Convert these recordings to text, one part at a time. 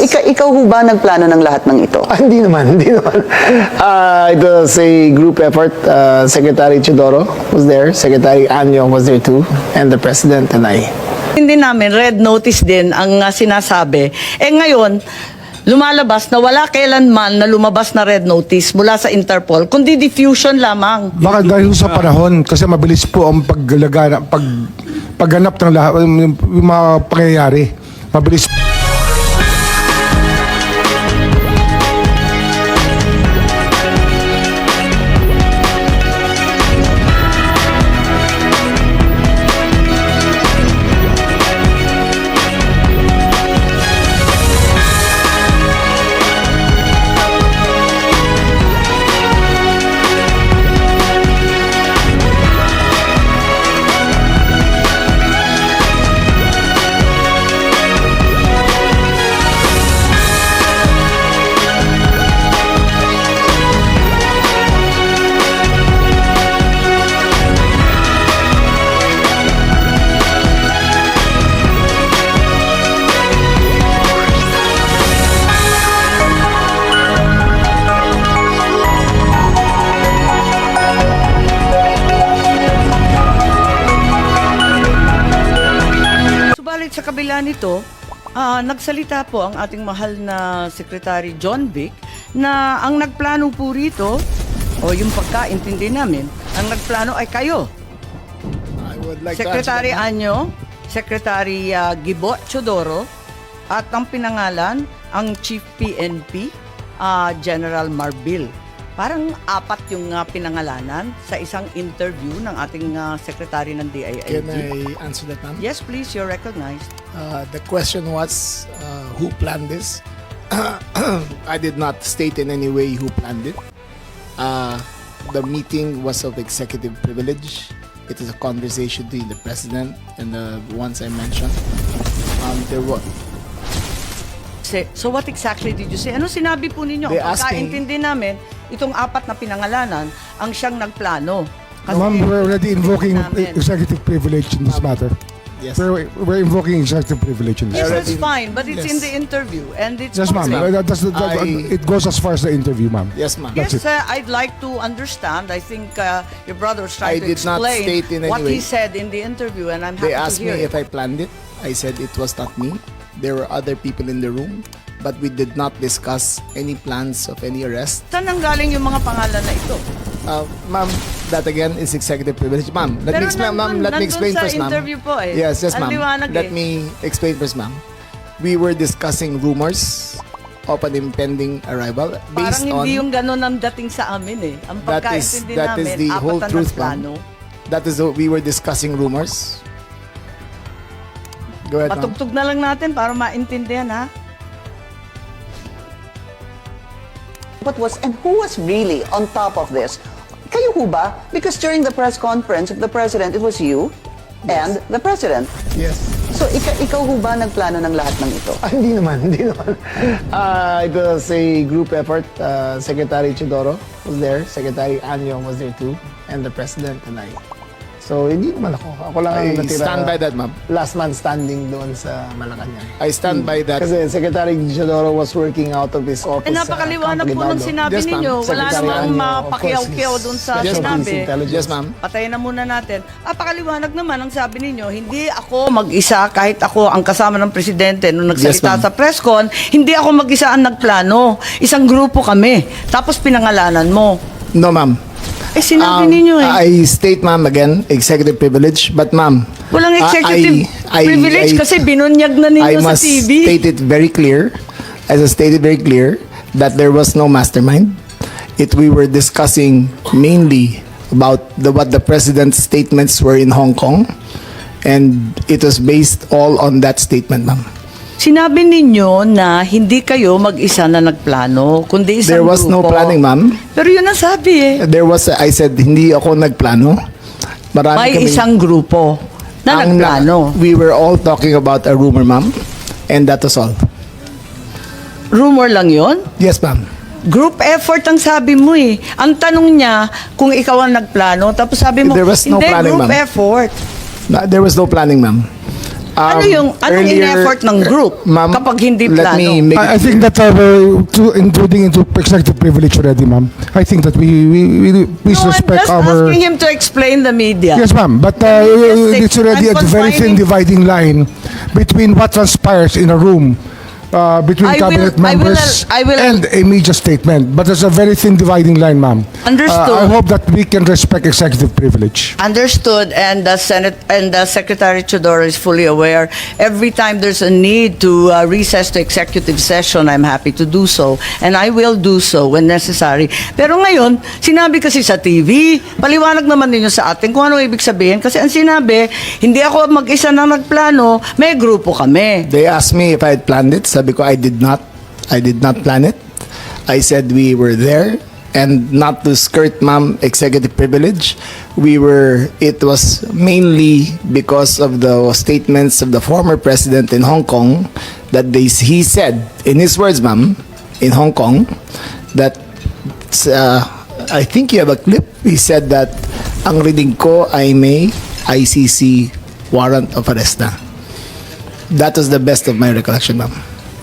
ikaw ho ba nagplano ng lahat ng ito? Hindi naman, hindi naman. It was a group effort. Secretary Chidoro was there, Secretary Anyo was there too, and the President and I. Hindi namin, red notice din ang sinasabi. Ngayon, lumalabas na wala kailanman na lumabas na red notice mula sa Interpol, kundi diffusion lamang. Baka dahil sa panahon, kasi mabilis po ang pagganap ng lahat, yung mga pangyayari. Mabilis. Subalit sa kabila nito, nagsalita po ang ating mahal na Secretary John Vic na ang nagplano po rito, o yung pagkaintindi namin, ang nagplano ay kayo. I would like Secretary Anyo, Secretary Gibo Chodoro, at ang pinangalan, ang Chief PNP, General Marbil. Parang apat yung pinangalanan sa isang interview ng ating Secretary ng DILG. Can I answer that, ma'am? Yes, please, you're recognized. The question was, who planned this? I did not state in any way who planned it. The meeting was of executive privilege. It is a conversation between the president and the ones I mentioned. There were. So what exactly did you say? Ano sinabi po ninyo? They Ang asked me- pagkaintindi namin, itong apat na pinangalanan ang siyang nagplano. Ma'am, we're already invoking namin. executive privilege in this matter. Yes. We're invoking executive privilege in this Yes, matter. that's fine, but it's in Yes. the interview and it's Yes, ma'am. public. It goes as far as the interview, ma'am. Yes, ma'am. Yes, That's it. I'd like to understand. I think your brother was trying I to did not explain state in any what he way. said in the interview, and I'm They happy asked to hear me it. if I planned it. I said it was not me. There were other people in the room, but we did not discuss any plans of any arrest. Saan ang galing yung mga pangalan na ito? Ma'am, that again is executive privilege. Ma'am, let me explain, ma'am. Let me explain first, ma'am. Nandun sa interview po eh. Yes, yes, Ang ma'am. liwanag Let eh. me explain first, ma'am. We were discussing rumors of an impending arrival Parang based on hindi yung ganun ang dating sa amin eh. Ang that is pagkaintindi that is namin, the whole apat na truth, plano. ma'am. That is we were discussing rumors. Go ahead, ma'am. Patugtog na lang natin para maintindihan ha. What was, and who was really on top of this? Kayo ho ba? Because during the press conference of the President, it was you and the President. Yes. So ikaw ho ba nagplano ng lahat ng ito? Hindi naman, hindi naman. It was a group effort. Secretary Chidoro was there, Secretary Anyo was there too, and the President and I. So, hindi naman ako. Ako lang ang I natira. stand by that, ma'am. Last man standing doon sa Malacanang. I stand by that. Kasi Secretary Chidoro was working out of his office. Napakaliwanag po ng sinabi Yes, ma'am. ninyo. Wala Secretary namang Anyo, of mapakiyaw-kiyaw course, dun sa Yes, ma'am. sinabi. Intelligence. Yes, ma'am. Patayin na muna natin. Napakaliwanag naman ang sabi ninyo, hindi ako mag-isa kahit ako ang kasama ng presidente nung Yes, nagsalita ma'am. sa press con, hindi ako mag-isa ang nagplano. Isang grupo kami. Tapos pinangalanan mo. No, ma'am. Sinabi ninyo eh. I state, ma'am, again, executive privilege. But, ma'am, Walang executive privilege kasi binunyag na I ninyo sa must TV. state it very clear, as I stated very clear, that there was no mastermind. We were discussing mainly about what the president's statements were in Hong Kong, and it was based all on that statement, ma'am. Sinabi ninyo na hindi kayo mag-isa na nagplano, kundi isang There was no grupo. planning, ma'am. Pero yun ang sabi eh. I said, hindi ako nagplano. Marami May kaming- isang grupo na Ang nagplano. We were all talking about a rumor, ma'am. And that was all. Rumor lang yon. Yes, ma'am. Group effort ang sabi mo eh. Ang tanong niya kung ikaw ang nagplano, tapos sabi mo, There was no hindi, planning, group ma'am. effort. There was no planning, ma'am. Ano yung anong earlier- in-effort ng group Ma'am, kapag hindi let plano? me make I think that we're intruding into executive privilege already, ma'am. I think that we please No, I'm respect just our. asking him to explain the media. Yes, ma'am. But just it's already I'm a very thin confining- dividing line between what transpires in a room between I will- cabinet members I will- and a media statement. But there's a very thin dividing line, ma'am. Understood. I hope that we can respect executive privilege. Understood, and the Senate and the Secretary Chodoro is fully aware. Every time there's a need to recess to executive session, I'm happy to do so, and I will do so when necessary. Pero ngayon, sinabi kasi sa TV, paliwanag naman ninyo sa atin kung ano ibig sabihin. Kasi ang sinabi, hindi ako mag-isa na nagplano, may grupo kami. They asked me if I had planned it. Sabi ko, I did not. I did not plan it. I said we were there, and not to skirt, ma'am, executive privilege. It was mainly because of the statements of the former president in Hong Kong that he said, in his words, ma'am, in Hong Kong, that I think you have a clip. He said that ang reading ko ay may ICC warrant of arrest na. That was the best of my recollection, ma'am.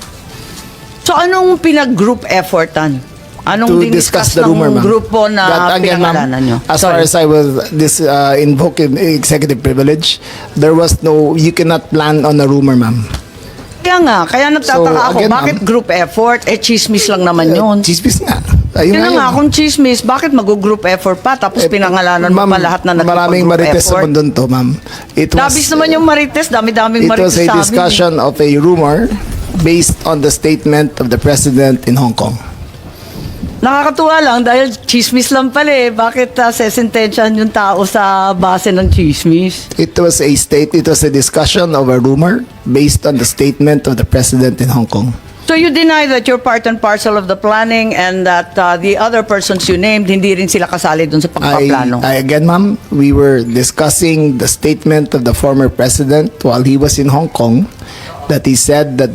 So anong pinag-group effortan? Anong To discuss the rumor, ma'am. grupo na That, again, ma'am, pinangalanan nyo? as far Sorry. as I will invoke executive privilege, there was no, you cannot plan on a rumor, ma'am. Kaya nagtataka So, ako, again, bakit ma'am, group effort? Chismis lang naman yun. Chismis nga. Ayun Yun na nga, yun. kung chismis, bakit mag-group effort pa? Tapos pinangalanan mo Ma'am, pa lahat na maraming nagpag-group marites sa effort. mundo to, ma'am. Dabis naman yung marites, dami-daming It marites was a sa amin. discussion of a rumor based on the statement of the president in Hong Kong. Nakakatuwa lang dahil chismis lang pala eh. Bakit sesentensyahan yung tao sa base ng chismis? It was a discussion of a rumor based on the statement of the president in Hong Kong. So you deny that you're part and parcel of the planning and that the other persons you named, hindi rin sila kasali dun sa pagpaplano? Again, ma'am, we were discussing the statement of the former president while he was in Hong Kong, that he said that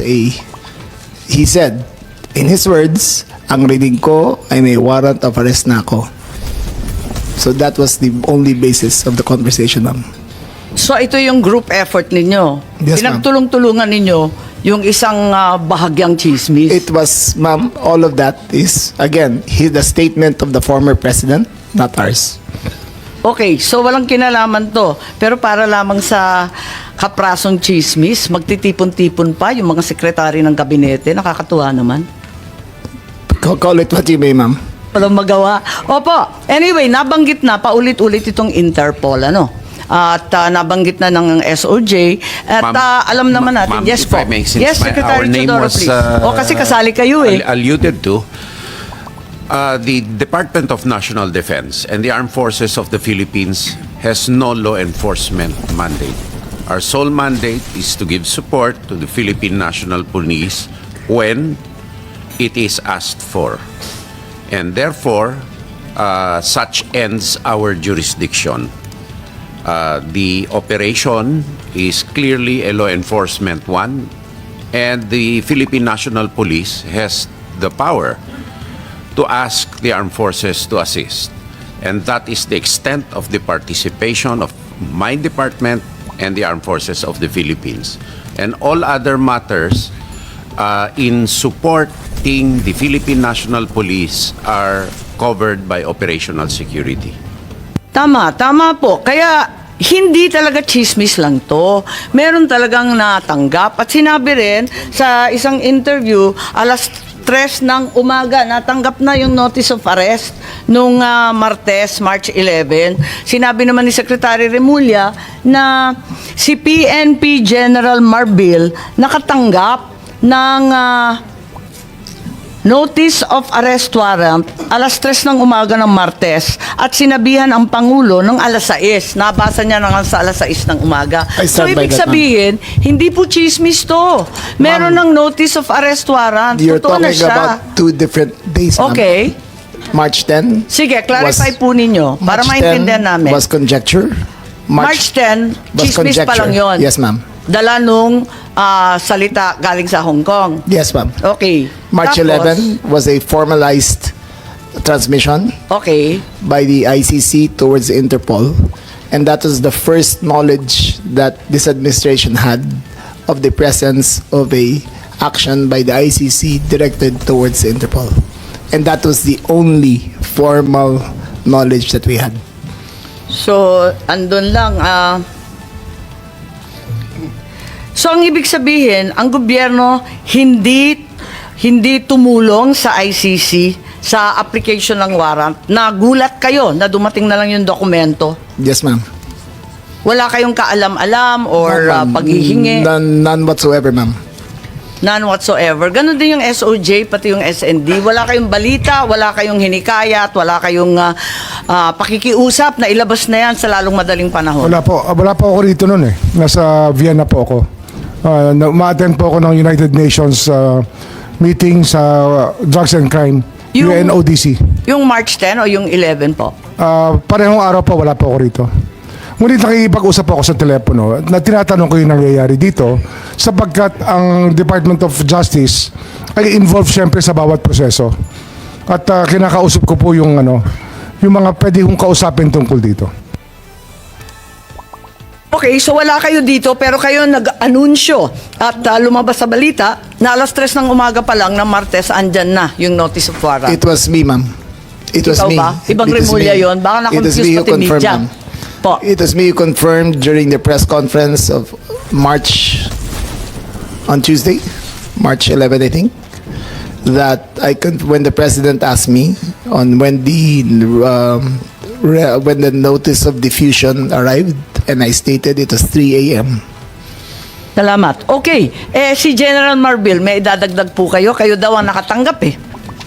he said, in his words, ang reading ko ay may warrant of arrest na ako. So that was the only basis of the conversation, ma'am. So ito yung group effort ninyo? Yes, ma'am. Pinagtulong-tulungan ninyo yung isang bahagyang chismis? It was, ma'am, all of that is, again, the statement of the former president, not ours. Okay, so walang kinalaman to. Pero para lamang sa kaprasong chismis, magtitipon-tipon pa yung mga sekretary ng kabinete. Nakakatuwa naman. Call it what you may, ma'am. Walang magawa. Opo, anyway, nabanggit na paulit-ulit itong Interpol, ano? At nabanggit na ng SOJ. At Ma'am, alam naman natin. ma'am, Yes if po. I may, since Yes, Secretary our name Chodoro, was, please. O kasi kasali kayo eh. alluded to, the Department of National Defense and the Armed Forces of the Philippines has no law enforcement mandate. Our sole mandate is to give support to the Philippine National Police when it is asked for. And therefore, such ends our jurisdiction. The operation is clearly a law enforcement one, and the Philippine National Police has the power to ask the armed forces to assist. And that is the extent of the participation of my department and the armed forces of the Philippines. And all other matters in supporting the Philippine National Police are covered by operational security. Tama po. Kaya hindi talaga chismis lang to. Meron talagang natanggap. At sinabi rin sa isang interview, alas 3 ng umaga, natanggap na yung notice of arrest nung Martes, March 11. Sinabi naman ni Secretary Remulla na si PNP General Marbil nakatanggap ng notice of arrest warrant alas 3 ng umaga ng Martes at sinabihan ang Pangulo ng alas 6. Nabasa niya na nga sa alas 6 ng umaga. I So stand by ibig that, sabihin, hindi po chismis to. Meron ng notice of arrest warrant. You're Totoo na talking siya. about two different days, ma'am. Okay. March 10. Sige, clarify was- po ninyo para March maintindihan 10 namin. was conjecture. March 10, was chismis pa lang conjecture. yun. Yes, ma'am. Dala nung salita galing sa Hong Kong. Yes, ma'am. Okay. March Tapos, 11 was a formalized transmission Okay. by the ICC towards Interpol. And that was the first knowledge that this administration had of the presence of a action by the ICC directed towards Interpol. And that was the only formal knowledge that we had. So, andun lang. So, ang ibig sabihin, ang gobyerno hindi tumulong sa ICC sa application ng warrant. Nagulat kayo na dumating na lang yung dokumento. Yes, ma'am. Wala kayong kaalam-alam or None, ma'am. paghihingi? None whatsoever, ma'am. None whatsoever. Ganon din yung SOJ, pati yung SND. Wala kayong balita, wala kayong hinikayat, wala kayong pakikiusap na ilabas na yan sa lalong madaling panahon. Wala po ako rito noon eh. Nasa Vienna po ako. Ma-attend po ako ng United Nations meeting sa drugs and crime, UNODC. Yung March 10 o yung 11 po? Parehong araw po, wala po ako rito. Ngunit nakikipag-usap ako sa telepono na tinatanong ko yung nangyayari dito sapagkat ang Department of Justice ay involved syempre sa bawat proseso. At kinakausap ko po yung mga pwede kong kausapin tungkol dito. Okay, so wala kayo dito pero kayo nag-anunsyo at lumabas sa balita na alas 3 ng umaga pa lang ng Martes andyan na yung notice of warrant. It was me, ma'am. It was Ikaw me. ba? Ibang It was Remulla me. yun. Baka It was na-confuse me who pati confirmed, media. ma'am. Po. It was me who confirmed during the press conference of March on Tuesday, March 11, I think, that when the president asked me on when the notice of diffusion arrived, and I stated it was 3 a.m. Salamat. Okay, si General Marbil, may idadagdag po kayo. Kayo daw ang nakatanggap eh.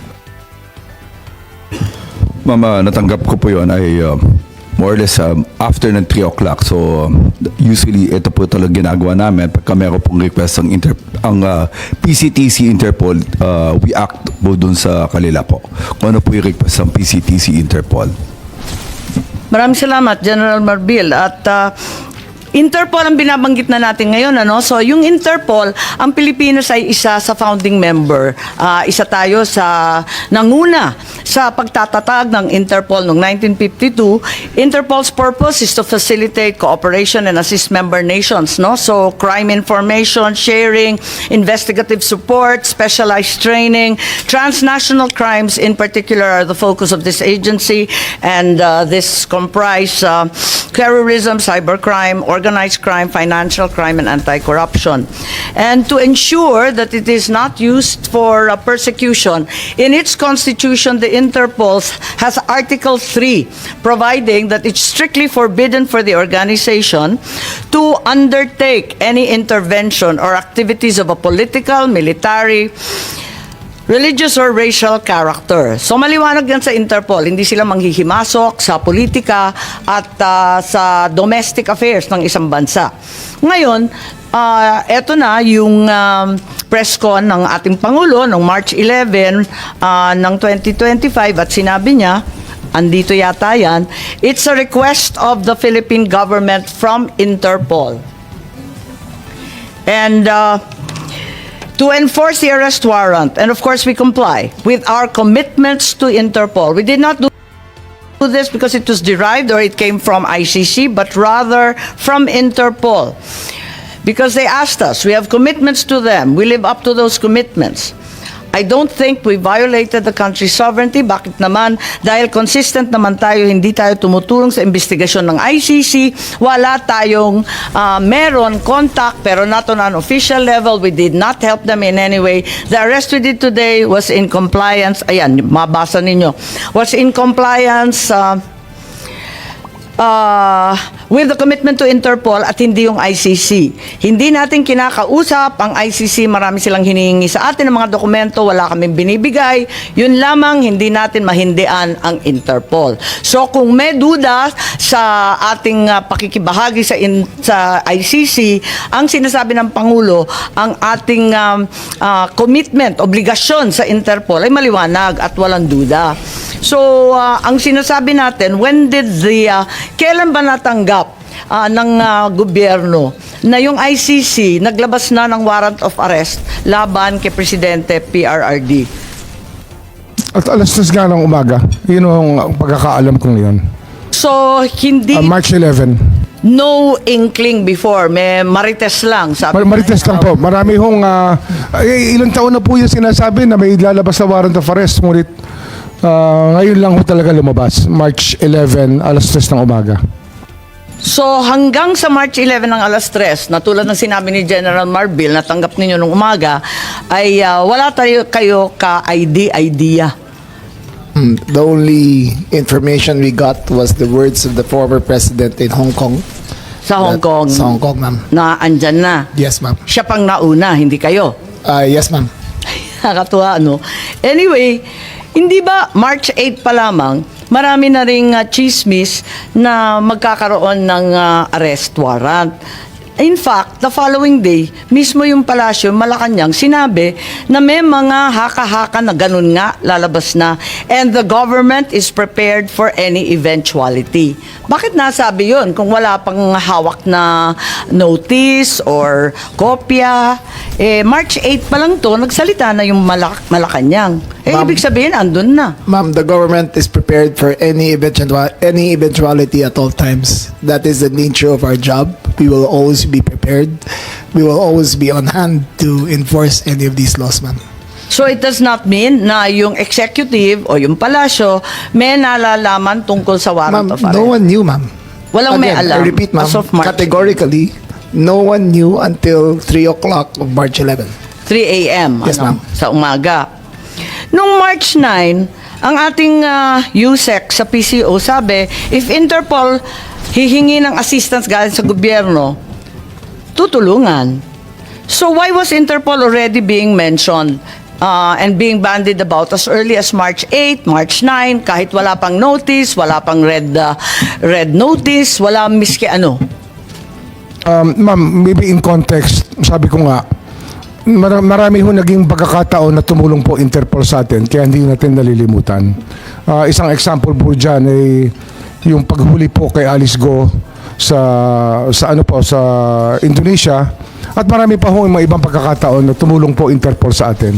Mama, natanggap ko po yun ay more or less after ng 3 o'clock. So, usually, ito po talaga ginagawa namin. Pagka meron pong request ang PCTC Interpol, we act po dun sa kanila po. Kung ano po yung request ng PCTC Interpol. Maraming salamat, General Marbil. At Interpol ang binabanggit na natin ngayon, ano? So, yung Interpol, ang Pilipinas ay isa sa founding member. Isa tayo sa nanguna sa pagtatatag ng Interpol noong 1952. Interpol's purpose is to facilitate cooperation and assist member nations, no? So, crime information sharing, investigative support, specialized training, transnational crimes in particular are the focus of this agency, and this comprise terrorism, cybercrime, organized crime, financial crime, and anti-corruption. And to ensure that it is not used for persecution, in its constitution, the Interpol has Article 3, providing that it's strictly forbidden for the organization to undertake any intervention or activities of a political, military, religious or racial character. So maliwanag yan sa Interpol, hindi sila manghihimasok sa politika at sa domestic affairs ng isang bansa. Ngayon, eto na yung press con ng ating Pangulo noong March 11 ng 2025 at sinabi niya, andito yata yan, it's a request of the Philippine government from Interpol. And to enforce the arrest warrant, and of course we comply with our commitments to Interpol. We did not do this because it was derived or it came from ICC, but rather from Interpol. Because they asked us, we have commitments to them, we live up to those commitments. I don't think we violated the country's sovereignty. Bakit naman? Dahil consistent naman tayo, hindi tayo tumutulong sa investigasyon ng ICC. Wala tayong meron contact, pero not on an official level. We did not help them in any way. The arrest we did today was in compliance. Ayan, mabasa ninyo. Was in compliance with the commitment to Interpol at hindi yung ICC. Hindi natin kinakausap ang ICC, marami silang hinihingi sa atin ng mga dokumento, wala kaming binibigay. Yun lamang, hindi natin mahindian ang Interpol. So kung may duda sa ating pakikibahagi sa ICC, ang sinasabi ng Pangulo, ang ating commitment, obligasyon sa Interpol ay maliwanag at walang duda. So ang sinasabi natin, kailan ba natanggap ng gobyerno na yung ICC naglabas na ng warrant of arrest laban kay Presidente PRRD? At alas 3 nga ng umaga. Yun ang pagkakaalam ko ngayon. So, hindi, March 11. no inkling before. May marites lang. Sabi Marites lang po. Marami hong, ilang taon na po yung sinasabi na may lalabas na warrant of arrest. Ngunit ngayon lang ho talaga lumabas. March 11, alas 3 ng umaga. So, hanggang sa March 11 ng alas 3, na tulad ng sinabi ni General Marbil, natanggap ninyo nung umaga, ay wala kayo ka-idea. The only information we got was the words of the former president in Hong Kong. Sa Hong Kong. Sa Hong Kong, ma'am. Na andyan na. Yes, ma'am. Siya pang nauna, hindi kayo. Yes, ma'am. Nakakatuwa, ano? Anyway, hindi ba March 8 pa lamang, marami na ring chismis na magkakaroon ng arrest warrant. In fact, the following day, mismo yung palasyo, Malacanang, sinabi na may mga haka-haka na ganun nga lalabas na, and the government is prepared for any eventuality. Bakit nasabi yun kung wala pang hawak na notice or kopya? March 8 pa lang to, nagsalita na yung Malacanang. Ma'am. Ibig sabihin, andun na. Ma'am, the government is prepared for any eventuality at all times. That is the nature of our job. We will always be prepared. We will always be on hand to enforce any of these laws, ma'am. So it does not mean na yung executive o yung palasyo may nalalaman tungkol sa warrant Ma'am, of arrest. no one knew, ma'am. Walang may Again, alam. I repeat, ma'am, As of March categorically, no one knew until 3 o'clock of March 11. 3 a.m. Yes, ma'am. Sa umaga. Nung March 9, ang ating USEC sa PCO sabi, if Interpol hihingi ng assistance galing sa gobyerno, tutulungan. So why was Interpol already being mentioned and being bandied about as early as March 8, March 9, kahit wala pang notice, wala pang red notice, wala miski ano? Ma'am, maybe in context, sabi ko nga, marami ho naging pagkakataon na tumulong po Interpol sa atin, kaya hindi natin nalilimutan. Isang example po dyan ay yung paghuli po kay Alice Go sa Indonesia, at marami pa ho yung mga ibang pagkakataon na tumulong po Interpol sa atin.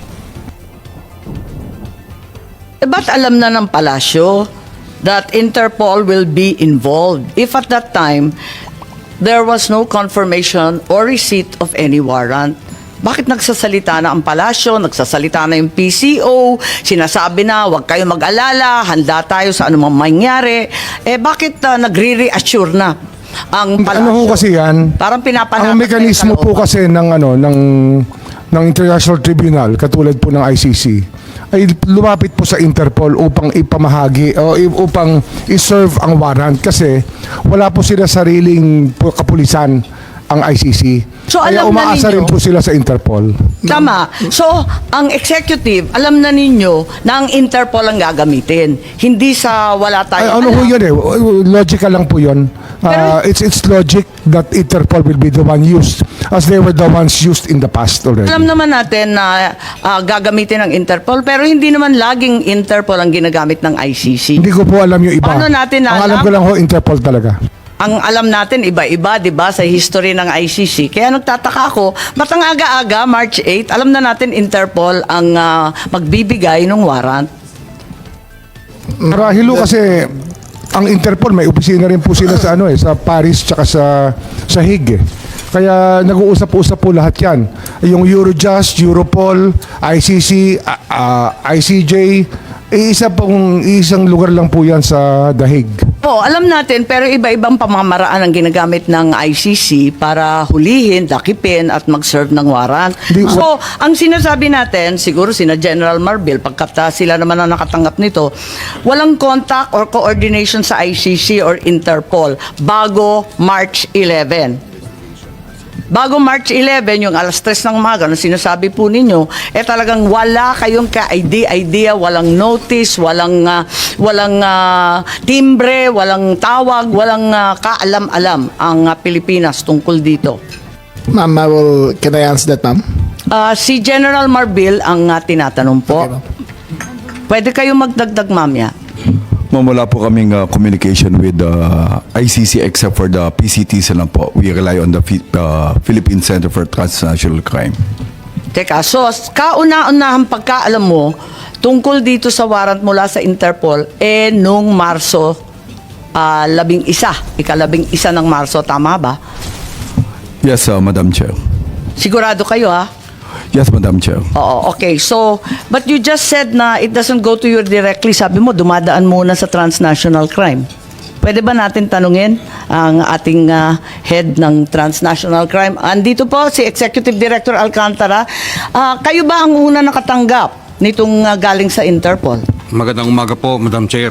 Ba't alam na ng palasyo that Interpol will be involved if at that time there was no confirmation or receipt of any warrant? Bakit nagsasalita na ang palasyo, nagsasalita na yung PCO, sinasabi na huwag kayo mag-alala, handa tayo sa anumang mangyari? Bakit nagre-reassure na ang palasyo? Ano ho kasi yan? Parang pinapanatas Ang mekanismo na yung po kasi ng International Tribunal, katulad po ng ICC, ay lumapit po sa Interpol upang ipamahagi o upang iserve ang warrant kasi wala po sila sariling kapulisan ang ICC. So, Kaya alam na umaasa ninyo- rin po sila sa Interpol. Tama. So, ang executive, alam na ninyo na ang Interpol ang gagamitin. Hindi sa wala Ay, tayong ano ho alam. yun logical lang po yun. It's logic that Interpol will be the one used as they were the ones used in the past already. Alam naman natin na gagamitin ng Interpol, pero hindi naman laging Interpol ang ginagamit ng ICC. Hindi ko po alam yung iba. Paano natin Ang alam? alam ko lang ho, Interpol talaga. Ang alam natin, iba-iba, di ba, sa history ng ICC. Kaya nagtataka ako, ba't ang aga-aga, March 8, alam na natin Interpol ang magbibigay ng warrant? Marahil ho kasi ang Interpol may opisina rin po sila sa sa Paris tsaka sa Hague. Kaya nag-uusap-usap po lahat 'yan. Yung Eurojust, Europol, ICC, ICJ, isang lugar lang po 'yan sa The Hague. Po, alam natin, pero iba-ibang pamamaraan ang ginagamit ng ICC para hulihin, dakipin, at mag-serve ng warrant. So, ang sinasabi natin, siguro sina General Marbil, pagkat sila naman ang nakatanggap nito, walang contact or coordination sa ICC or Interpol bago March 11. Bago March 11, yung alas 3 ng umaga, na sinasabi po ninyo, talagang wala kayong ka-idea, walang notice, walang timbre, walang tawag, walang kaalam-alam ang Pilipinas tungkol dito. Ma'am, can I answer that, ma'am? Si General Marbil ang tinatanong po. Okay, ma'am. Pwede kayo magdagdag, mamya. Ma'am, wala po kaming communication with the ICC except for the PCTs lang po. We rely on the Philippine Center for Transnational Crime. Teka, so kauna-unahang pagkaalam mo tungkol dito sa warrant mula sa Interpol, nung Marso ika-11 ng Marso, tama ba? Yes, Madam Chair. Sigurado kayo, ha? Yes, Madam Chair. Oo, okay. So, but you just said na it doesn't go to you directly. Sabi mo, dumadaan muna sa transnational crime. Pwede ba natin tanungin ang ating head ng transnational crime? Andito po si Executive Director Alcantara. Kayo ba ang una nakatanggap nitong galing sa Interpol? Magandang umaga po, Madam Chair.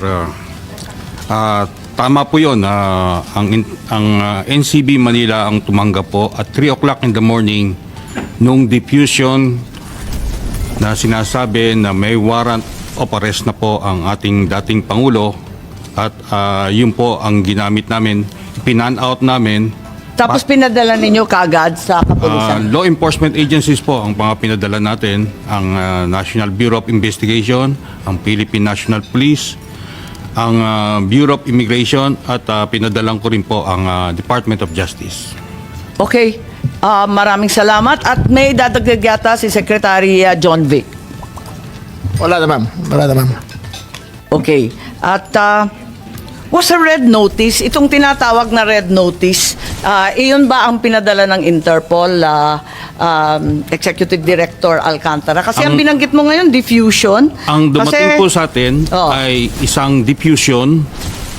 Tama po yun. Ang NCB Manila ang tumanggap po at 3 o'clock in the morning nung diffusion na sinasabi na may warrant of arrest na po ang ating dating Pangulo at yun po ang ginamit namin, pinan-out namin. Tapos pinadala ninyo kaagad sa kapulisan? Law enforcement agencies po ang mga pinadala natin, ang National Bureau of Investigation, ang Philippine National Police, ang Bureau of Immigration at pinadalang ko rin po ang Department of Justice. Okay. Maraming salamat. At may dadagdag yata si Secretary John Vic. Wala na, ma'am. Wala na, ma'am. Okay. At was a red notice, itong tinatawag na red notice, iyon ba ang pinadala ng Interpol, Executive Director Alcantara? Kasi ang binanggit mo ngayon, diffusion. Ang dumating Kasi- po sa atin Oh. ay isang diffusion,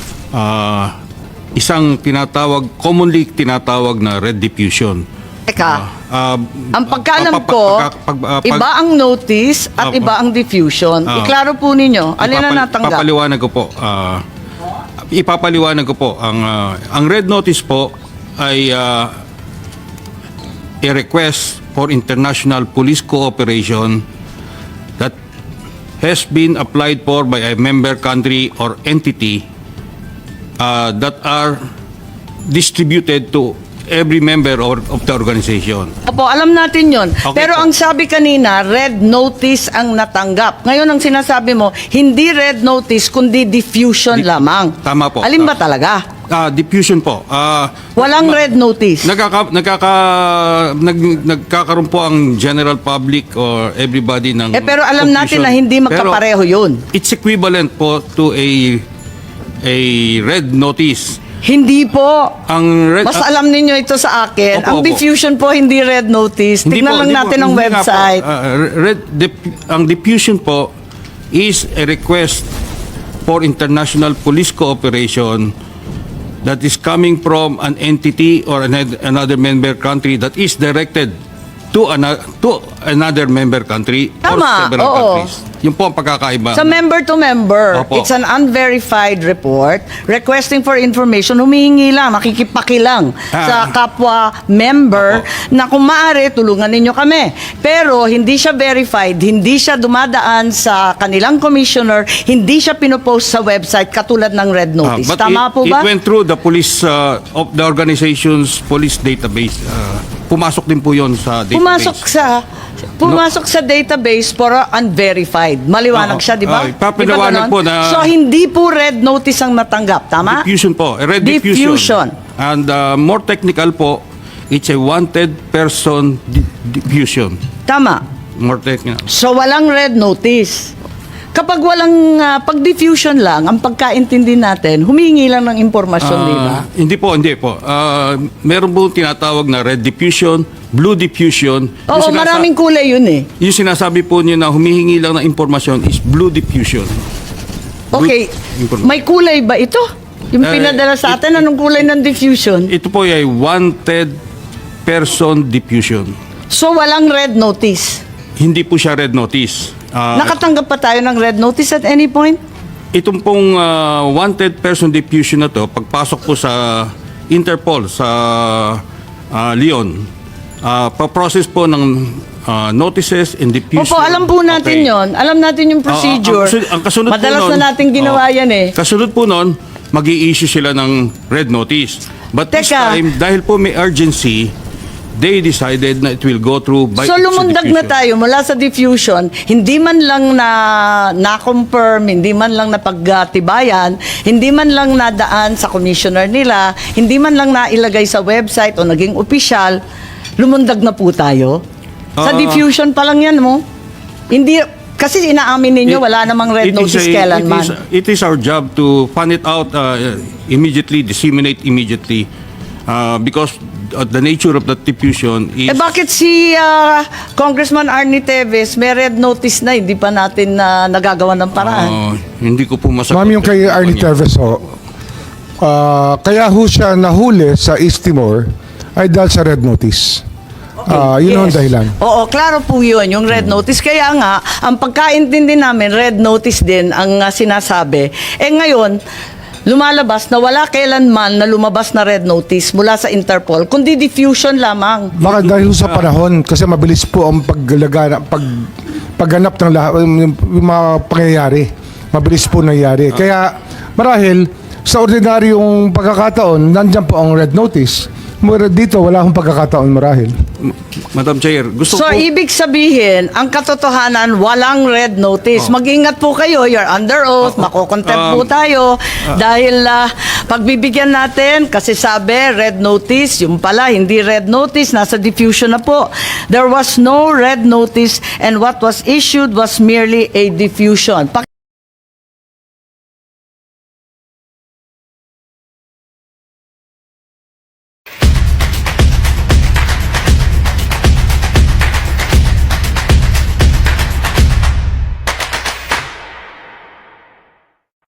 isang commonly tinatawag na red diffusion. Teka, ang pagkaalam ko, iba ang notice at iba ang diffusion. Iklaro po ninyo, alin na natanggap? Ipapaliwanag ko po. Ang red notice po ay a request for international police cooperation that has been applied for by a member country or entity that are distributed to every member of the organization. Opo, alam natin yon. Okay Pero po. ang sabi kanina, red notice ang natanggap. Ngayon ang sinasabi mo, hindi red notice, kundi diffusion lamang. Tama po. Alin ba talaga? Diffusion po. Walang red notice. Nagkakaroon po ang general public or everybody ng Pero alam natin confusion. na hindi magkapareho yun. Pero it's equivalent po to a red notice. Hindi po. Ang red, Mas alam ninyo ito sa akin. Opo, Ang opo. diffusion po, hindi red notice. Hindi Tignan po, lang hindi natin po, ang hindi nga po. website. Ang diffusion po is a request for international police cooperation that is coming from an entity or another member country that is directed to another member country or Tama, several oo. countries. Yun po ang pagkakaiba. Sa member to member, Opo. it's an unverified report requesting for information. Humihingi lang, makikipakilang sa kapwa member Opo. na kung maaari, tulungan ninyo kami. Pero hindi siya verified, hindi siya dumadaan sa kanilang commissioner, hindi siya pinopost sa website katulad ng red notice. But Tama po ba? It went through the police of the organization's police database. Pumasok din po yon sa database. Pumasok sa database pero unverified. Maliwanag Oo. siya, di ba? Di ba Ipapaliwanag ganon? po na- So, hindi po red notice ang natanggap, tama? Diffusion po. A red diffusion. And more technical po, it's a wanted person diffusion. Tama. More technical. So, walang red notice. Kapag walang pag-diffusion lang, ang pagkaintindi natin, humingi lang ng impormasyon, di ba? Hindi po. Meron po tinatawag na red diffusion, blue diffusion. Oo, maraming kulay yun eh. Yung sinasabi po niyo na humihingi lang ng impormasyon is blue diffusion. Okay, Information. may kulay ba ito? Yung pinadala sa atin, anong kulay ng diffusion? Ito po ay wanted person diffusion. So, walang red notice. Hindi po siya red notice. Nakatanggap pa tayo ng red notice at any point? Itong pong wanted person diffusion na to, pagpasok po sa Interpol sa Leon, pa-process po ng notices and diffusion. Opo, alam po natin Okay. yon. Alam natin yung procedure. Ang kasunod Madalas po nun, na natin ginawa yan eh. Kasunod po nun, mag-i-issue sila ng red notice. But this Teka. time, dahil po may urgency, they decided na it will go through by So lumundag na diffusion. tayo mula sa diffusion, hindi man lang na-confirm, hindi man lang napagtibayan, hindi man lang nadaan sa commissioner nila, hindi man lang nailagay sa website o naging opisyal, lumundag na po tayo. Sa diffusion pa lang yan mo. Hindi, Kasi inaamin ninyo, wala namang red notice kailanman. It is our job to find it out immediately, disseminate immediately, because the nature of the diffusion is... Bakit si Congressman Arnie Teves may red notice na, hindi pa natin nagagawa ng paraan? Hindi ko po masagot. Ma'am, yung kay Arnie Terves ho, kaya ho siya nahuli sa East Timor ay dahil sa red notice. Yun ang dahilan. Oo, klaro po yun, yung red notice. Kaya nga, ang pagkaintindi namin, red notice din ang sinasabi. Ngayon, lumalabas na wala kailanman na lumabas na red notice mula sa Interpol, kundi diffusion lamang. Baka dahil sa panahon, kasi mabilis po ang pagganap ng lahat, yung mga pangyayari. Mabilis po nangyayari. Kaya marahil, sa ordinaryong pagkakataon, nandyan po ang red notice. Dito, wala akong pagkakataon marahil. Madam Chair, gusto So, ko... ibig sabihin, ang katotohanan, walang red notice. Mag-ingat po kayo, you're under oath, makukontempt po tayo. Dahil pagbibigyan natin, kasi sabi, red notice, yung pala, hindi red notice, nasa diffusion na po. There was no red notice and what was issued was merely a diffusion.